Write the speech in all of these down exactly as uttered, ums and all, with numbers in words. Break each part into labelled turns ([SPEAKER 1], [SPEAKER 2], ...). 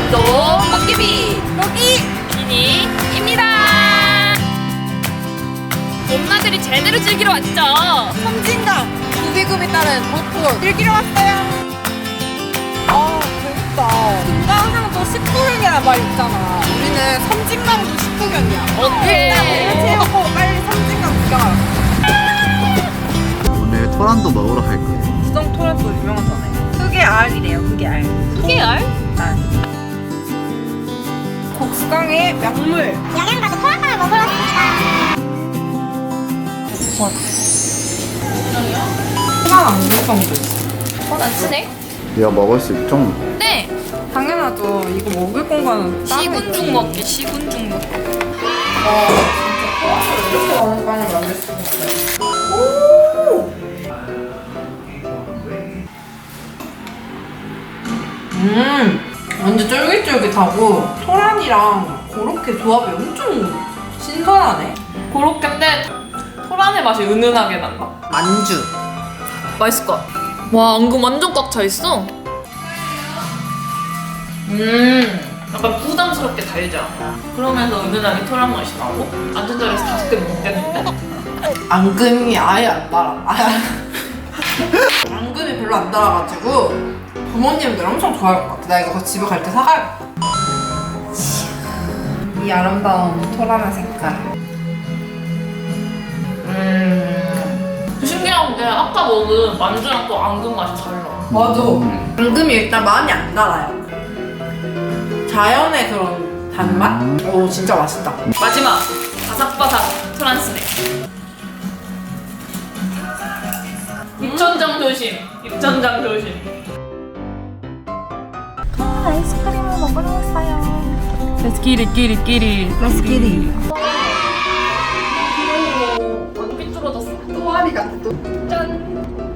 [SPEAKER 1] 오늘도 도깨비 도끼이니입니다. 엄마들이 제대로 즐기러 왔죠.
[SPEAKER 2] 섬진강 구비금에 따른 벚꽃 즐기러 왔어요. 아 그러니까 금강산도 십구경이라는 말 있잖아. 우리는 섬진강도 십구경이야.
[SPEAKER 1] 오케이.
[SPEAKER 2] 일단 오늘 채우고 빨리 섬진강 구경하자.
[SPEAKER 3] 오늘 토란도 먹으러 갈 거예요.
[SPEAKER 2] 수정 토란도 유명하잖아요. 흑의 알이래요. 흑의 알.
[SPEAKER 1] 깨알?
[SPEAKER 2] 알. 곡수강의 명물.
[SPEAKER 4] 영양 가서 토란빵을 먹으러 왔습니다.
[SPEAKER 2] 토란 안국빵도 있어.
[SPEAKER 1] 어, 난 쓰네.
[SPEAKER 3] 이거 먹을 수 있죠?
[SPEAKER 1] 네.
[SPEAKER 2] 당연하죠. 이거 먹을 공간은 따로
[SPEAKER 1] 시군죽
[SPEAKER 2] 있지.
[SPEAKER 1] 먹기, 시군죽 먹기.
[SPEAKER 2] 와 진짜 이렇게 많은 빵을 만들 수가 있어요. 오! 음 완전 쫄깃쫄깃하고 토란이랑 그렇게 조합이 엄청 신선하네.
[SPEAKER 1] 고로케인데 토란의 맛이 은은하게 난다.
[SPEAKER 2] 만주.
[SPEAKER 1] 맛있을 것 같아. 와, 앙금 완전 꽉 차 있어. 음, 약간 부담스럽게 달지 않아. 그러면서 은은하게 토란 맛이 나고. 완전 잘해서 다섯 개 먹겠는데?
[SPEAKER 2] 앙금이 아예 안 달아. 아예 앙금이 별로 안 달아가지고 부모님들 엄청 좋아할 것 같아. 나 이거 집에 갈 때 사가야겠다. 이 아름다운 토란의 색깔.
[SPEAKER 1] 음, 신기한 게 아까 먹은 만두랑 또 앙금 맛이 달라.
[SPEAKER 2] 맞아. 앙금이 일단 많이 안 달아요. 자연의 그런 단맛? 오 진짜 맛있다.
[SPEAKER 1] 마지막, 바삭바삭 토란 스낵. 입천장 조심, 입천장 조심.
[SPEAKER 4] 아이스크림을 먹으러 왔어요.
[SPEAKER 1] Let's get it, get it, get it.
[SPEAKER 2] Let's get it.
[SPEAKER 1] 완전 삐뚤어졌어.
[SPEAKER 2] 또아리 같아 또.
[SPEAKER 1] 짠.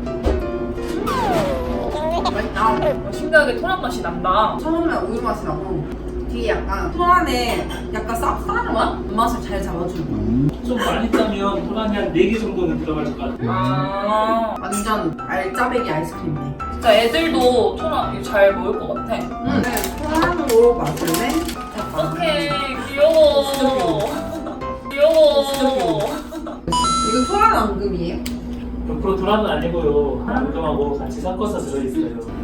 [SPEAKER 2] 맛있다.
[SPEAKER 1] 신기하게 토란 맛이 난다.
[SPEAKER 2] 처음에 우유 맛이 나고 뒤에 약간 토란에 약간 쌉싸한 맛? 맛을 잘 잡아주는 거.
[SPEAKER 5] 좀 많이 짜면 토란이 한 네 개 정도는 들어갈 것 같아요.
[SPEAKER 1] 아,
[SPEAKER 2] 완전 알짜배기 아이스크림이네.
[SPEAKER 1] 진짜 애들도 토란 이거 잘 먹을 것 같아.
[SPEAKER 2] 응. 네, 토란으로 마실래?
[SPEAKER 1] 오케이, 귀여워. 귀여워.
[SPEAKER 2] 이건 토란 앙금이에요?
[SPEAKER 5] 백 퍼센트 토란은 아니고요. 앙금하고 같이 섞어서 들어있어요.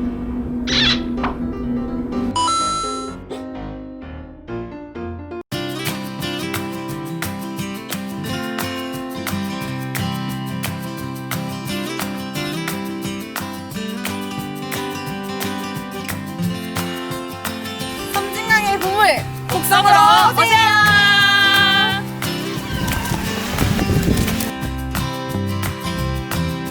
[SPEAKER 2] 섬진강의 보물 곡성으로 오세요.